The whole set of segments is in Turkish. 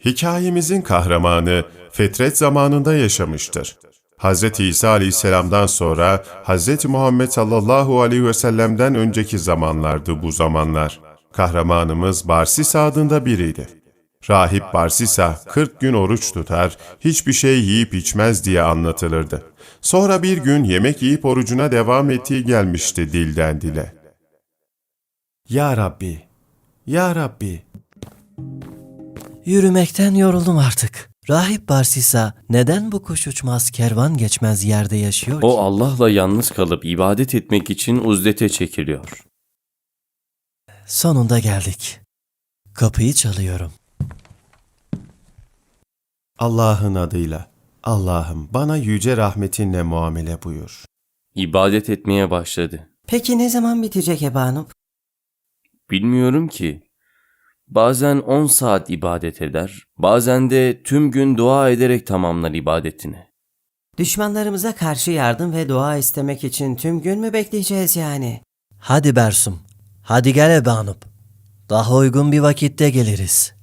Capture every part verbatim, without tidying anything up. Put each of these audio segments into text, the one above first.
Hikayemizin kahramanı fetret zamanında yaşamıştır. Hz. İsa Aleyhisselam'dan sonra Hz. Muhammed sallallahu aleyhi ve sellem'den önceki zamanlardı bu zamanlar. Kahramanımız Barsis adında biriydi. Rahip Barsisa kırk gün oruç tutar, hiçbir şey yiyip içmez diye anlatılırdı. Sonra bir gün yemek yiyip orucuna devam ettiği gelmişti dilden dile. Ya Rabbi, Ya Rabbi. Yürümekten yoruldum artık. Rahip Barsisa neden bu kuş uçmaz kervan geçmez yerde yaşıyor ki? O Allah'la yalnız kalıp ibadet etmek için uzdete çekiliyor. Sonunda geldik. Kapıyı çalıyorum. Allah'ın adıyla, Allah'ım bana yüce rahmetinle muamele buyur. İbadet etmeye başladı. Peki ne zaman bitecek Ebanub? Bilmiyorum ki. Bazen on saat ibadet eder, bazen de tüm gün dua ederek tamamlar ibadetini. Düşmanlarımıza karşı yardım ve dua istemek için tüm gün mü bekleyeceğiz yani? Hadi Bersum, hadi gel Ebanub. Daha uygun bir vakitte geliriz.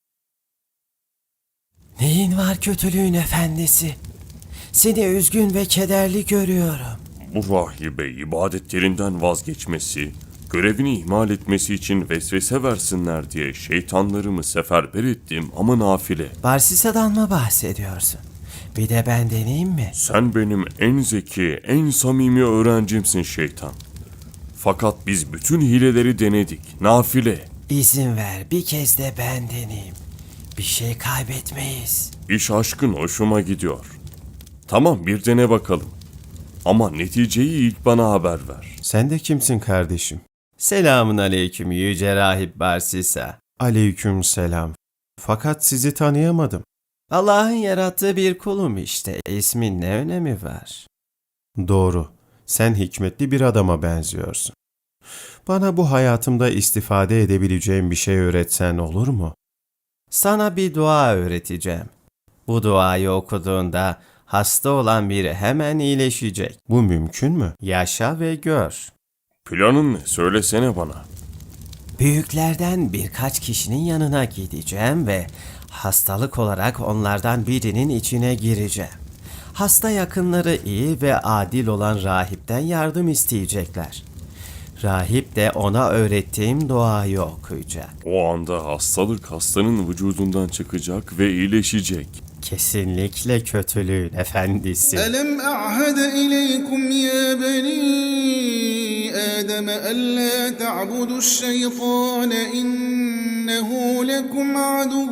Neyin var kötülüğün efendisi? Seni üzgün ve kederli görüyorum. Bu rahibe ibadetlerinden vazgeçmesi, görevini ihmal etmesi için vesvese versinler diye şeytanlarımı seferber ettim ama nafile. Barsisa'dan mı bahsediyorsun? Bir de ben deneyeyim mi? Sen benim en zeki, en samimi öğrencimsin şeytan. Fakat biz bütün hileleri denedik, nafile. İzin ver bir kez de ben deneyeyim. Bir şey kaybetmeyiz. İş aşkın hoşuma gidiyor. Tamam bir dene bakalım. Ama neticeyi ilk bana haber ver. Sen de kimsin kardeşim? Selamun aleyküm yüce rahip Barsisa. Aleyküm selam. Fakat sizi tanıyamadım. Allah'ın yarattığı bir kulum işte. İsmin ne önemi var? Doğru, sen hikmetli bir adama benziyorsun. Bana bu hayatımda istifade edebileceğim bir şey öğretsen olur mu? Sana bir dua öğreteceğim. Bu duayı okuduğunda hasta olan biri hemen iyileşecek. Bu mümkün mü? Yaşa ve gör. Planın ne? Söylesene bana. Büyüklerden birkaç kişinin yanına gideceğim ve hastalık olarak onlardan birinin içine gireceğim. Hasta yakınları iyi ve adil olan rahipten yardım isteyecekler. Rahip de ona öğrettiğim duayı okuyacak. O anda hastalık hastanın vücudundan çıkacak ve iyileşecek. Kesinlikle kötülüğün efendisi. ألم أعهد إليكم يا بني آدم ألا تعبدوا الشيطان إنه لكم عدو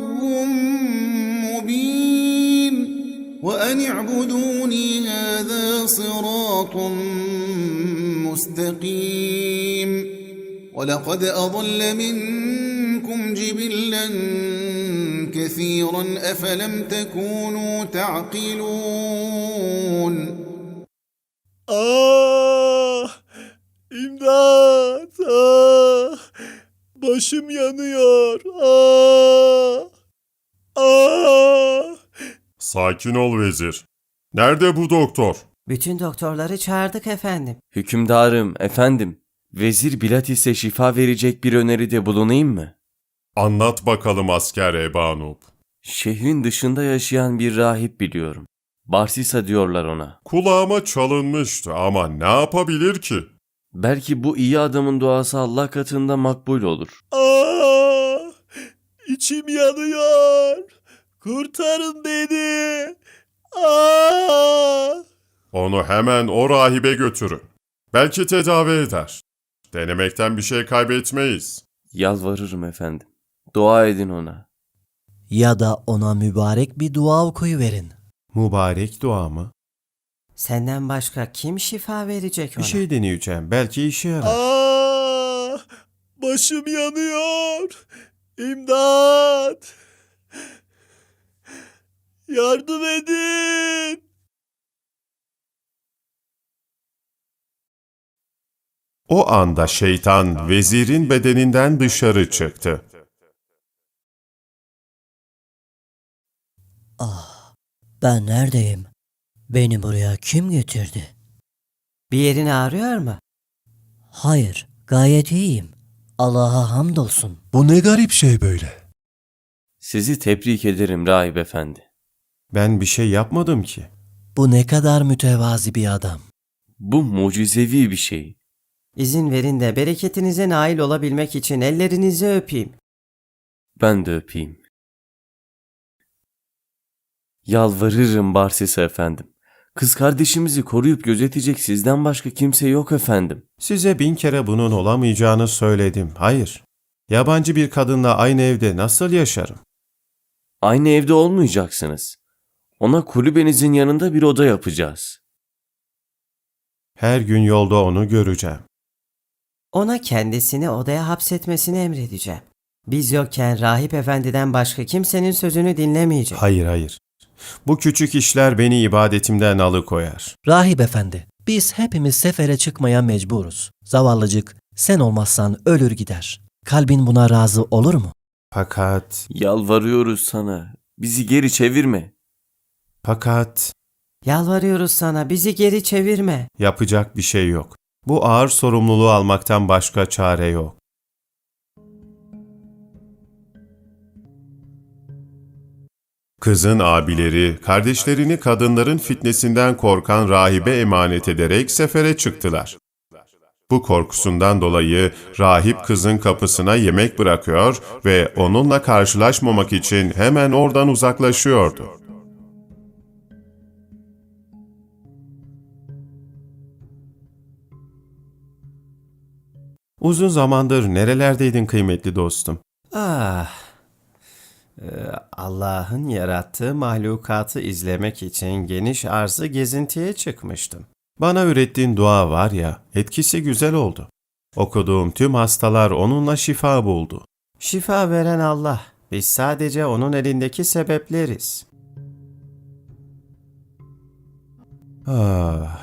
مبين وأن اعبدوني هذا صراط مستقيم ولقد أضل منكم جبلا كثيرا أفلم تكونوا تعقلون. Ah! İmdat! Ah! Başım yanıyor. Ah! Ah! Sakin ol vezir. Nerede bu doktor? Bütün doktorları çağırdık efendim. Hükümdarım, efendim, Vezir Bilatis'e şifa verecek bir öneride bulunayım mı? Anlat bakalım asker Ebanub. Şehrin dışında yaşayan bir rahip biliyorum. Barsisa diyorlar ona. Kulağıma çalınmıştı ama ne yapabilir ki? Belki bu iyi adamın duası Allah katında makbul olur. Ah! İçim yanıyor. Kurtarın beni. Ah! Onu hemen o rahibe götürün. Belki tedavi eder. Denemekten bir şey kaybetmeyiz. Yalvarırım efendim. Dua edin ona. Ya da ona mübarek bir dua okuyuverin. Mübarek dua mı? Senden başka kim şifa verecek ona? Bir şey deneyeceğim. Belki işe yarar. Ah! Başım yanıyor. İmdat! Yardım edin. O anda şeytan vezirin bedeninden dışarı çıktı. Ah! Ben neredeyim? Beni buraya kim getirdi? Bir yerin ağrıyor mu? Hayır, gayet iyiyim. Allah'a hamdolsun. Bu ne garip şey böyle? Sizi tebrik ederim rahip efendi. Ben bir şey yapmadım ki. Bu ne kadar mütevazi bir adam. Bu mucizevi bir şey. İzin verin de bereketinize nail olabilmek için ellerinizi öpeyim. Ben de öpeyim. Yalvarırım Barsisa efendim. Kız kardeşimizi koruyup gözetecek sizden başka kimse yok efendim. Size bin kere bunun olamayacağını söyledim. Hayır. Yabancı bir kadınla aynı evde nasıl yaşarım? Aynı evde olmayacaksınız. Ona kulübenizin yanında bir oda yapacağız. Her gün yolda onu göreceğim. Ona kendisini odaya hapsetmesini emredeceğim. Biz yokken rahip efendiden başka kimsenin sözünü dinlemeyecek. Hayır, hayır. Bu küçük işler beni ibadetimden alıkoyar. Rahip efendi, biz hepimiz sefere çıkmaya mecburuz. Zavallıcık, sen olmazsan ölür gider. Kalbin buna razı olur mu? Fakat, Yalvarıyoruz sana. Bizi geri çevirme. fakat Yalvarıyoruz sana, bizi geri çevirme. yapacak bir şey yok. Bu ağır sorumluluğu almaktan başka çare yok. Kızın abileri, kardeşlerini kadınların fitnesinden korkan rahibe emanet ederek sefere çıktılar. Bu korkusundan dolayı rahip kızın kapısına yemek bırakıyor ve onunla karşılaşmamak için hemen oradan uzaklaşıyordu. Uzun zamandır nerelerdeydin kıymetli dostum? Ah, Ee, Allah'ın yarattığı mahlukatı izlemek için geniş arzı gezintiye çıkmıştım. Bana öğrettiğin dua var ya, etkisi güzel oldu. Okuduğum tüm hastalar onunla şifa buldu. Şifa veren Allah, biz sadece onun elindeki sebepleriz. Ah.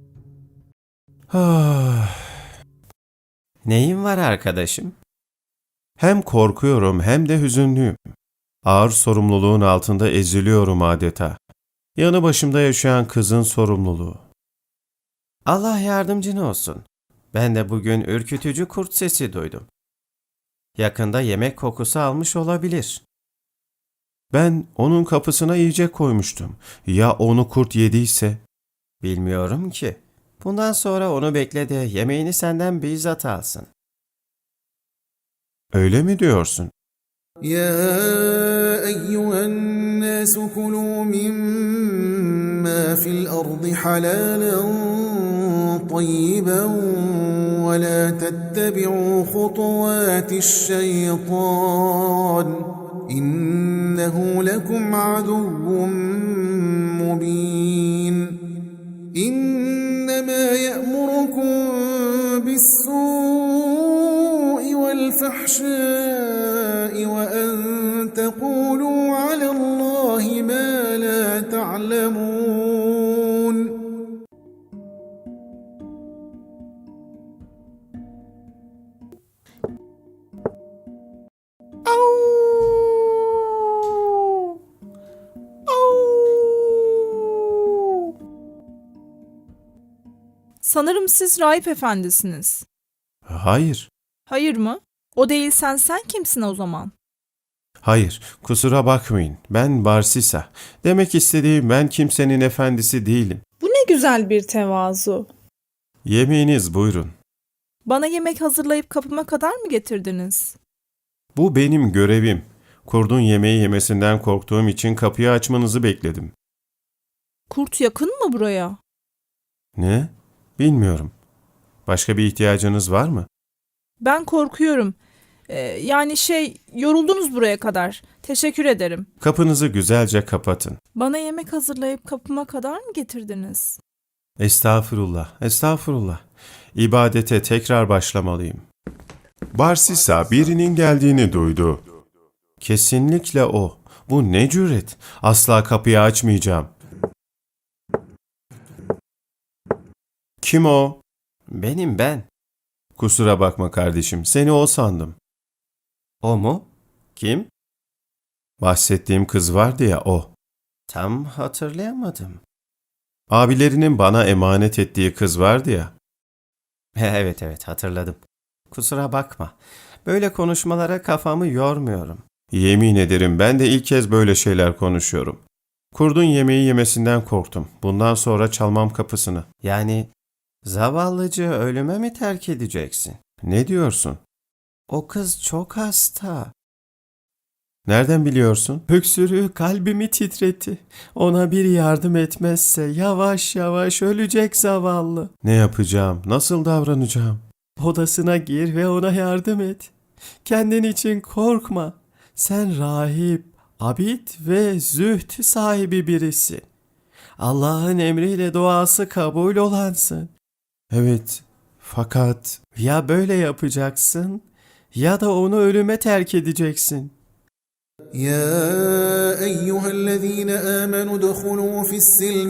Ah. Neyin var arkadaşım? Hem korkuyorum hem de hüzünlüyüm. Ağır sorumluluğun altında eziliyorum adeta. Yanı başımda yaşayan kızın sorumluluğu. Allah yardımcın olsun. Ben de bugün ürkütücü kurt sesi duydum. Yakında yemek kokusu almış olabilir. Ben onun kapısına yiyecek koymuştum. Ya onu kurt yediyse? Bilmiyorum ki. Bundan sonra onu bekle de yemeğini senden bizzat alsın. Öyle mi diyorsun? يا أيها الناس كلوا مما في الأرض حلالا طيبا ولا تتبعوا خطوات الشيطان إنه لكم عدو مبين إنما يأمركم بالسوء والفحشاء وأن تقولوا على الله ما لا تعلمون. Sanırım siz rahip efendisiniz. Hayır, Hayır mı? O değilsen sen kimsin o zaman? hayır. Kusura bakmayın. Ben Barsisa. Demek istediğim ben kimsenin efendisi değilim. Bu ne güzel bir tevazu. Yemeğiniz buyurun. Bana yemek hazırlayıp kapıma kadar mı getirdiniz? Bu benim görevim. Kurdun yemeği yemesinden korktuğum için kapıyı açmanızı bekledim. Kurt yakın mı buraya? Ne? Bilmiyorum. Başka bir ihtiyacınız var mı? Ben korkuyorum. Ee, yani şey, yoruldunuz buraya kadar. Teşekkür ederim. Kapınızı güzelce kapatın. Bana yemek hazırlayıp kapıma kadar mı getirdiniz? Estağfurullah, estağfurullah. İbadete tekrar başlamalıyım. Barsisa birinin geldiğini duydu. Kesinlikle o. Bu ne cüret? Asla kapıyı açmayacağım. Kim o? Benim ben. Kusura bakma kardeşim, seni o sandım. O mu? Kim? Bahsettiğim kız vardı ya o. Tam hatırlayamadım. Abilerinin bana emanet ettiği kız vardı ya. Evet evet hatırladım. Kusura bakma. Böyle konuşmalara kafamı yormuyorum. Yemin ederim ben de ilk kez böyle şeyler konuşuyorum. Kurdun yemeği yemesinden korktum. Bundan sonra çalmam kapısını. Yani zavallıcı ölüme mi terk edeceksin? Ne diyorsun? O kız çok hasta. Nereden biliyorsun? Öksürüğü kalbimi titretti. Ona bir yardım etmezse yavaş yavaş ölecek zavallı. Ne yapacağım? Nasıl davranacağım? Odasına gir ve ona yardım et. Kendin için korkma. Sen rahip, abid ve zühd sahibi birisin. Allah'ın emriyle duası kabul olansın. Evet, fakat Ya böyle yapacaksın ya da onu ölüme terk edeceksin. يا أيها الذين آمنوا ادخلوا في السلم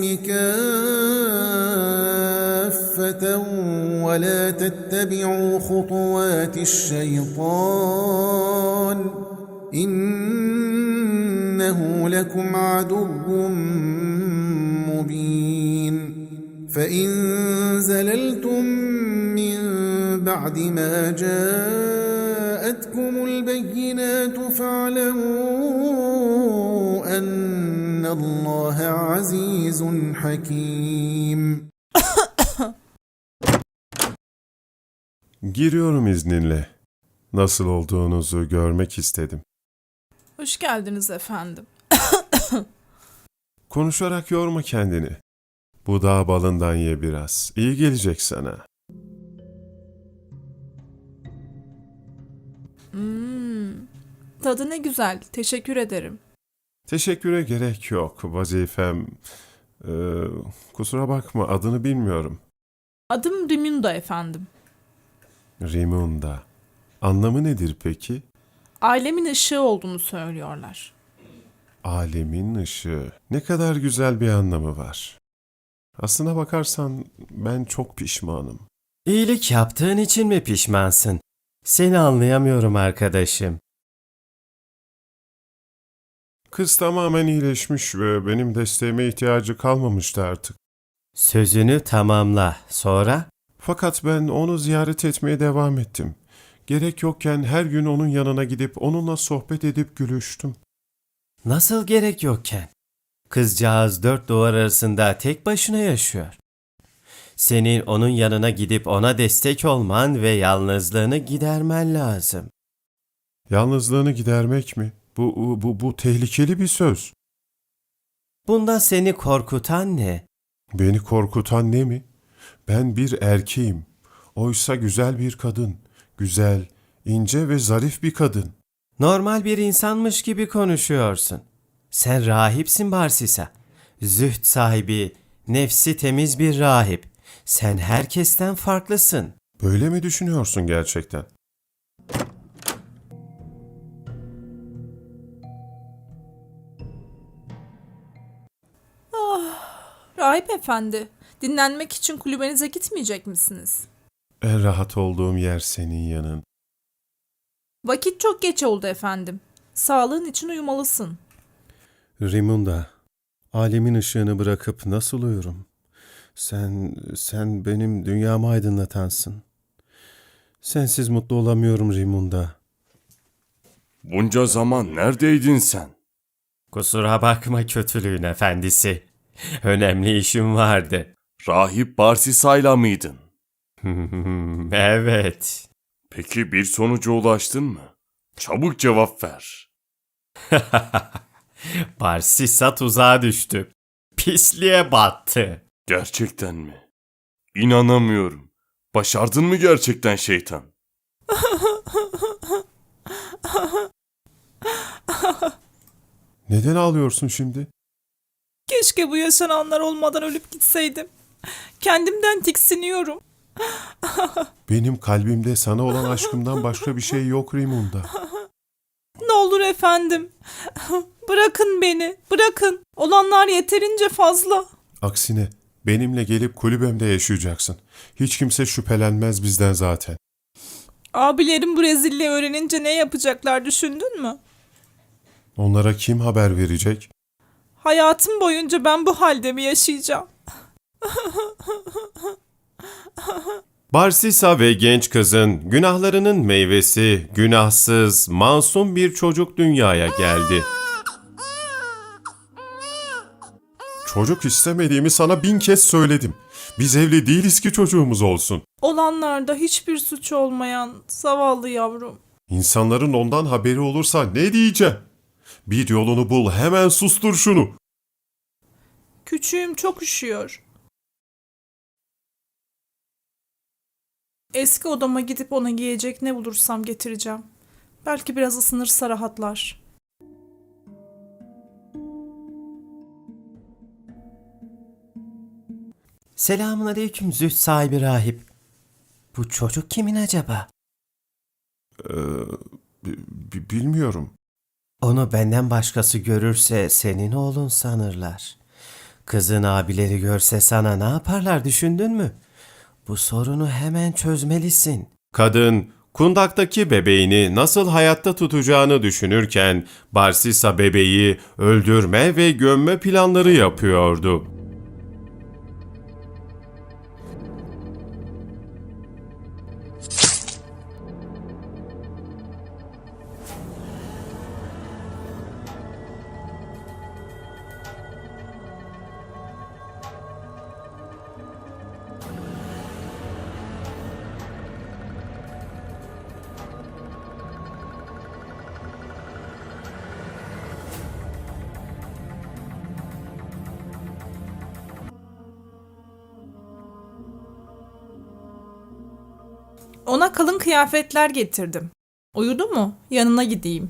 كافة ولا تتبعوا خطوات الشيطان إنه لكم عدو مبين فإن زللتم من بعد ما جاءتكم البينات فاعلموا أن الله عزيز حكيم. giriyorum izninle. Nasıl olduğunuzu görmek istedim. Hoş geldiniz efendim. Konuşarak yorma kendini. Bu dağ balından ye biraz. İyi gelecek sana. Tadı ne güzel. Teşekkür ederim. Teşekküre gerek yok. Vazifem... Ee, kusura bakma adını bilmiyorum. Adım Rimunda efendim. Rimunda. Anlamı nedir peki? Ailemin ışığı olduğunu söylüyorlar. Alemin ışığı. Ne kadar güzel bir anlamı var. Aslına bakarsan ben çok pişmanım. İyilik yaptığın için mi pişmansın? Seni anlayamıyorum arkadaşım. Kız tamamen iyileşmiş ve benim desteğime ihtiyacı kalmamıştı artık. Sözünü tamamla. Sonra? Fakat ben onu ziyaret etmeye devam ettim. Gerek yokken her gün onun yanına gidip onunla sohbet edip gülüştüm. Nasıl gerek yokken? Kızcağız dört duvar arasında tek başına yaşıyor. Senin onun yanına gidip ona destek olman ve yalnızlığını gidermen lazım. Yalnızlığını gidermek mi? Bu, bu, bu, bu tehlikeli bir söz. Bunda seni korkutan ne? Beni korkutan ne mi? Ben bir erkeğim. Oysa güzel bir kadın. Güzel, ince ve zarif bir kadın. Normal bir insanmış gibi konuşuyorsun. Sen rahipsin Barsisa. Zühd sahibi, nefsi temiz bir rahip. Sen herkesten farklısın. Böyle mi düşünüyorsun gerçekten? Rahip efendi, dinlenmek için kulübenize gitmeyecek misiniz? En rahat olduğum yer senin yanın. Vakit çok geç oldu efendim. Sağlığın için uyumalısın. Rimunda, alemin ışığını bırakıp nasıl uyurum? Sen, sen benim dünyamı aydınlatansın. Sensiz mutlu olamıyorum Rimunda. Bunca zaman neredeydin sen? Kusura bakma kötülüğün efendisi. Önemli işim vardı. Rahip Barsisa'yla mıydın? Evet. Peki bir sonuca ulaştın mı? Çabuk cevap ver. Barsisa tuzağa düştü. Pisliğe battı. Gerçekten mi? İnanamıyorum. Başardın mı gerçekten şeytan? Neden ağlıyorsun şimdi? Keşke bu yaşananlar olmadan ölüp gitseydim. Kendimden tiksiniyorum. Benim kalbimde sana olan aşkımdan başka bir şey yok Rimunda. Ne olur efendim. Bırakın beni, bırakın. Olanlar yeterince fazla. Aksine benimle gelip kulübemde yaşayacaksın. Hiç kimse şüphelenmez bizden zaten. Abilerim bu rezilliği öğrenince ne yapacaklar düşündün mü? Onlara kim haber verecek? Hayatım boyunca ben bu halde mi yaşayacağım? Barsisa ve genç kızın günahlarının meyvesi günahsız, masum bir çocuk dünyaya geldi. Çocuk istemediğimi sana bin kez söyledim. Biz evli değiliz ki çocuğumuz olsun. Olanlarda hiçbir suç olmayan zavallı yavrum. İnsanların ondan haberi olursa ne diyeceğim? Bir yolunu bul, hemen sustur şunu. Küçüğüm çok üşüyor. Eski odama gidip ona giyecek ne bulursam getireceğim. Belki biraz ısınırsa rahatlar. Selamun aleyküm züht sahibi rahip. Bu çocuk kimin acaba? B- bilmiyorum. Onu benden başkası görürse senin oğlun sanırlar. Kızın abileri görse sana ne yaparlar düşündün mü? Bu sorunu hemen çözmelisin. Kadın, kundaktaki bebeğini nasıl hayatta tutacağını düşünürken Barsisa bebeği öldürme ve gömme planları yapıyordu. Ona kalın kıyafetler getirdim. Uyudu mu? Yanına gideyim.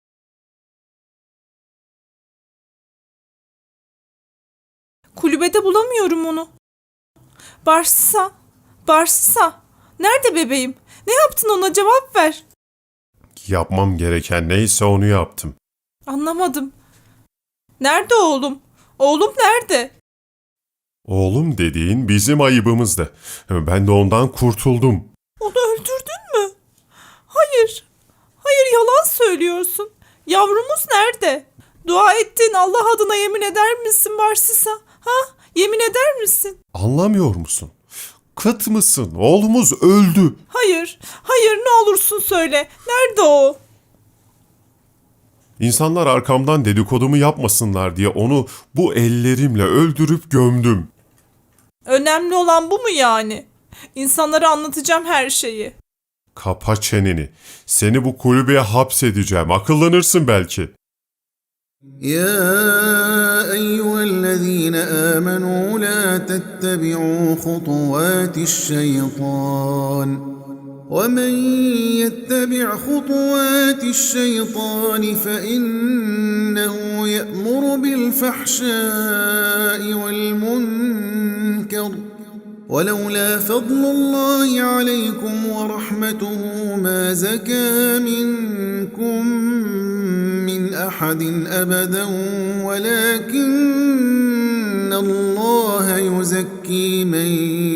Kulübede bulamıyorum onu. Barsisa, Barsisa. Nerede bebeğim? Ne yaptın ona, cevap ver. Yapmam gereken neyse onu yaptım. Anlamadım. Nerede oğlum? Oğlum nerede? Oğlum dediğin bizim ayıbımızdı. Ben de ondan kurtuldum. Onu öldürdün mü? Hayır. Hayır, yalan söylüyorsun. Yavrumuz nerede? Dua ettiğin Allah adına yemin eder misin Barsisa? Ha? Yemin eder misin? Anlamıyor musun? Kıt mısın? Oğlumuz öldü. Hayır. Hayır, ne olursun söyle. Nerede o? İnsanlar arkamdan dedikodumu yapmasınlar diye onu bu ellerimle öldürüp gömdüm. Önemli olan bu mu yani? İnsanlara anlatacağım her şeyi. Kapa çeneni. Seni bu kulübeye hapsedeceğim. Akıllanırsın belki. يا أيها الذين آمنوا لا تتبعوا خطوات الشيطان ومن يتبع خطوات الشيطان فإنه يأمر بالفحشاء والمنكر ولولا فضل الله عليكم ورحمته ما زكى منكم من أحد أبدا ولكن الله يزكي من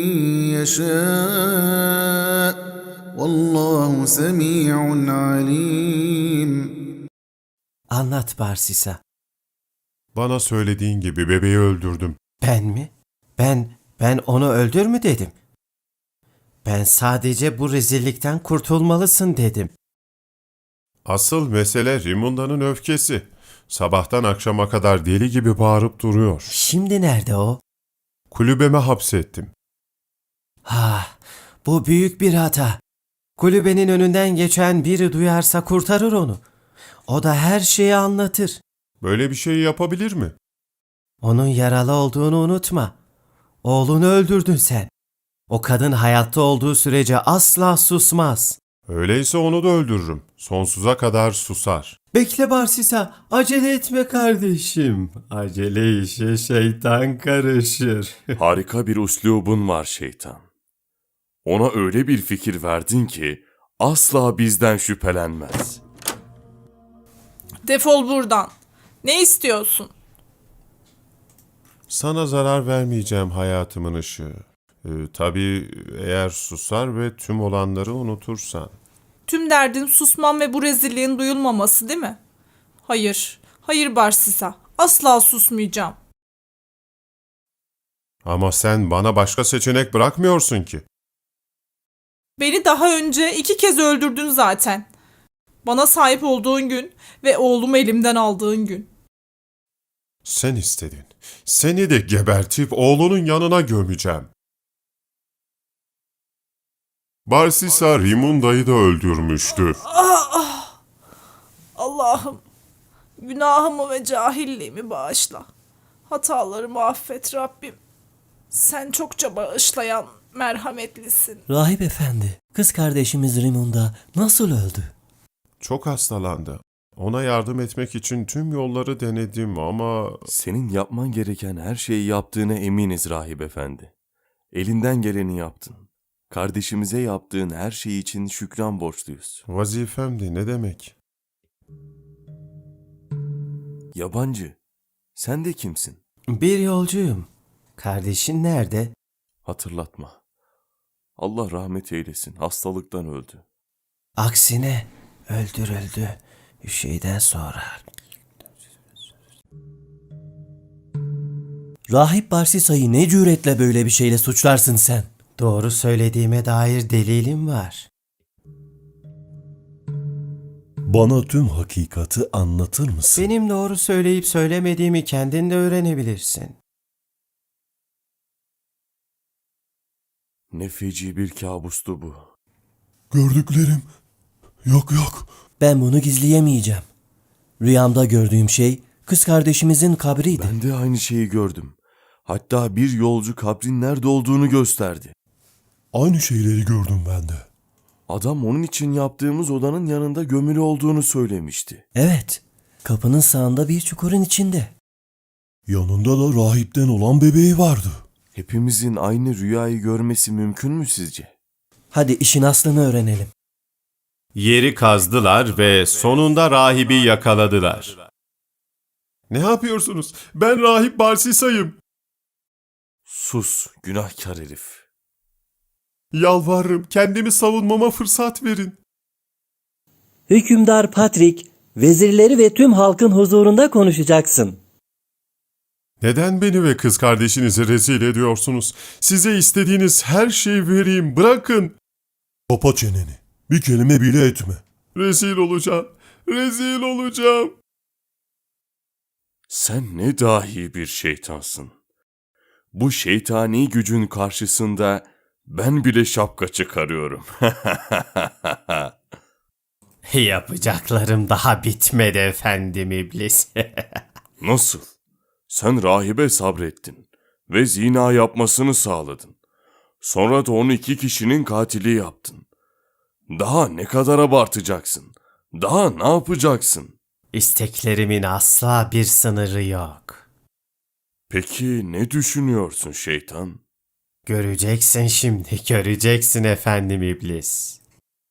يشاء والله سميع عليم. Anlat Barsisa. Bana söylediğin gibi bebeği öldürdüm. Ben mi? Ben, ben onu öldür mü dedim? Ben sadece bu rezillikten kurtulmalısın dedim. Asıl mesele Rimunda'nın öfkesi. Sabahtan akşama kadar deli gibi bağırıp duruyor. Şimdi nerede o? Kulübeme hapsettim. Ha, bu büyük bir hata. Kulübenin önünden geçen biri duyarsa kurtarır onu. O da her şeyi anlatır. Böyle bir şey yapabilir mi? Onun yaralı olduğunu unutma. Oğlunu öldürdün sen. O kadın hayatta olduğu sürece asla susmaz. Öyleyse onu da öldürürüm. Sonsuza kadar susar. Bekle Barsisa, acele etme kardeşim. Acele işe şeytan karışır. Harika bir üslubun var şeytan. Ona öyle bir fikir verdin ki asla bizden şüphelenmez. Defol buradan. Ne istiyorsun? Sana zarar vermeyeceğim hayatımın ışığı. Ee, tabii eğer susar ve tüm olanları unutursan. Tüm derdin susmam ve bu rezilliğin duyulmaması değil mi? Hayır. Hayır Barsisa. Asla susmayacağım. Ama sen bana başka seçenek bırakmıyorsun ki. Beni daha önce iki kez öldürdün zaten. Bana sahip olduğun gün ve oğlumu elimden aldığın gün. Sen istedin. Seni de gebertip oğlunun yanına gömeceğim. Barsisa Rimunda'yı da öldürmüştü. Allah'ım, günahımı ve cahilliğimi bağışla. Hatalarımı affet Rabbim. Sen çokça bağışlayan, merhametlisin. Rahip efendi, kız kardeşimiz Rimunda nasıl öldü? Çok hastalandı. Ona yardım etmek için tüm yolları denedim ama Senin yapman gereken her şeyi yaptığına eminiz rahip efendi. Elinden geleni yaptın. Kardeşimize yaptığın her şey için şükran borçluyuz. vazifemdi ne demek? Yabancı, sen de kimsin? Bir yolcuyum. Kardeşin nerede? Hatırlatma. Allah rahmet eylesin, hastalıktan öldü. Aksine öldürüldü. Bir şeyden sonra. Rahip Barsisa'yı ne cüretle böyle bir şeyle suçlarsın sen? Doğru söylediğime dair delilim var. Bana tüm hakikati anlatır mısın? Benim doğru söyleyip söylemediğimi kendin de öğrenebilirsin. Ne feci bir kabustu bu. Gördüklerim. Yok yok. Ben bunu gizleyemeyeceğim. Rüyamda gördüğüm şey kız kardeşimizin kabriydi. Ben de aynı şeyi gördüm. Hatta bir yolcu kabrin nerede olduğunu gösterdi. Aynı şeyleri gördüm ben de. Adam onun için yaptığımız odanın yanında gömülü olduğunu söylemişti. Evet, kapının sağında bir çukurun içinde. Yanında da rahipten olan bebeği vardı. Hepimizin aynı rüyayı görmesi mümkün mü sizce? Hadi işin aslını öğrenelim. Yeri kazdılar ve sonunda rahibi yakaladılar. Ne yapıyorsunuz? Ben rahip Barsisa'yım. Sus, günahkar herif. Yalvarırım kendimi savunmama fırsat verin. Hükümdar Patrick, vezirleri ve tüm halkın huzurunda konuşacaksın. Neden beni ve kız kardeşinizi rezil ediyorsunuz? Size istediğiniz her şeyi vereyim, bırakın. Kapa çeneni. Bir kelime bile etme. Rezil olacağım, rezil olacağım. Sen ne dahi bir şeytansın. Bu şeytani gücün karşısında ben bile şapka çıkarıyorum. Yapacaklarım daha bitmedi efendim iblis. Nasıl? Sen rahibe sabrettin ve zina yapmasını sağladın. Sonra da onu iki kişinin katili yaptın. Daha ne kadar abartacaksın? Daha ne yapacaksın? İsteklerimin asla bir sınırı yok. Peki ne düşünüyorsun şeytan? Göreceksin şimdi, göreceksin efendim iblis.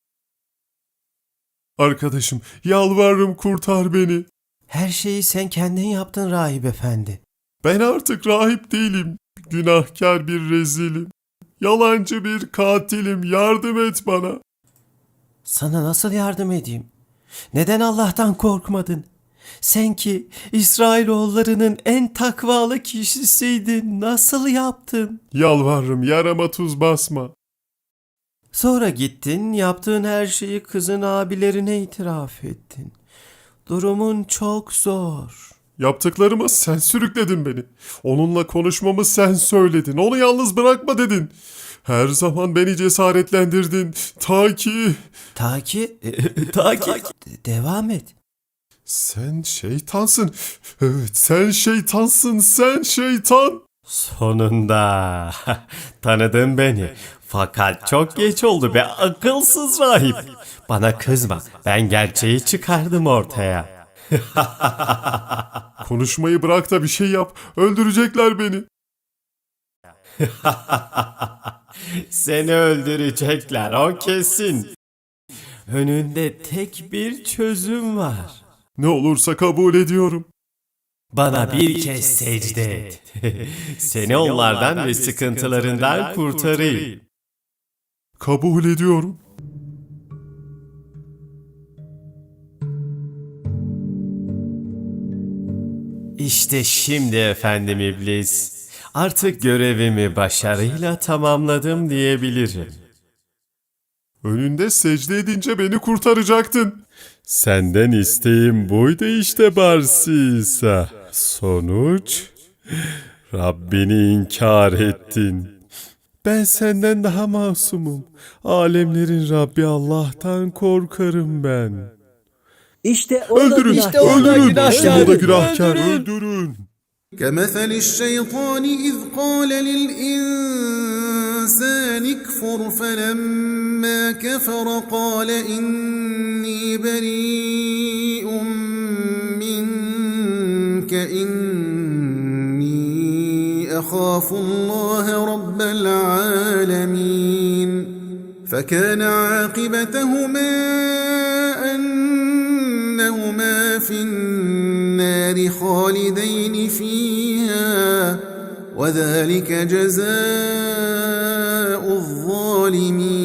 Arkadaşım, yalvarırım kurtar beni. Her şeyi sen kendin yaptın rahip efendi. Ben artık rahip değilim. Günahkar bir rezilim. Yalancı bir katilim. Yardım et bana. Sana nasıl yardım edeyim? Neden Allah'tan korkmadın? Sen ki İsrailoğullarının en takvalı kişisiydin. Nasıl yaptın? Yalvarırım yarama tuz basma. Sonra gittin, yaptığın her şeyi kızın abilerine itiraf ettin. Durumun çok zor. Yaptıklarıma sen sürükledin beni. Onunla konuşmamı sen söyledin. Onu yalnız bırakma dedin. Her zaman beni cesaretlendirdin. Ta ki... Ta ki... Ta ki... De- Devam et. Sen şeytansın. Evet sen şeytansın. Sen şeytan. Sonunda tanıdın beni. Fakat çok geç oldu be akılsız rahip. Bana kızma. Ben gerçeği çıkardım ortaya. Konuşmayı bırak da bir şey yap. Öldürecekler beni. Seni öldürecekler o kesin. Önünde tek bir çözüm var. Ne olursa kabul ediyorum. Bana bir kez secde et. Seni onlardan ve sıkıntılarından kurtarayım. Kabul ediyorum. İşte şimdi efendim iblis. Artık görevimi başarıyla tamamladım diyebilirim. Önünde secde edince beni kurtaracaktın. Senden isteğim buydu işte Barsi İsa. Sonuç? Rabbini inkar ettin. Ben senden daha masumum. Alemlerin Rabbi Allah'tan korkarım ben. İşte o da Öldürün, günahkar. öldürün. İşte o da günahkar. Öldürün. كمثل الشيطان إذ قال للإنسان اكفر فلما كفر قال إني بريء منك إني أخاف الله رب العالمين فكان عاقبتهما أنهما في النار خالدين فيها وذلك جزاء الظالمين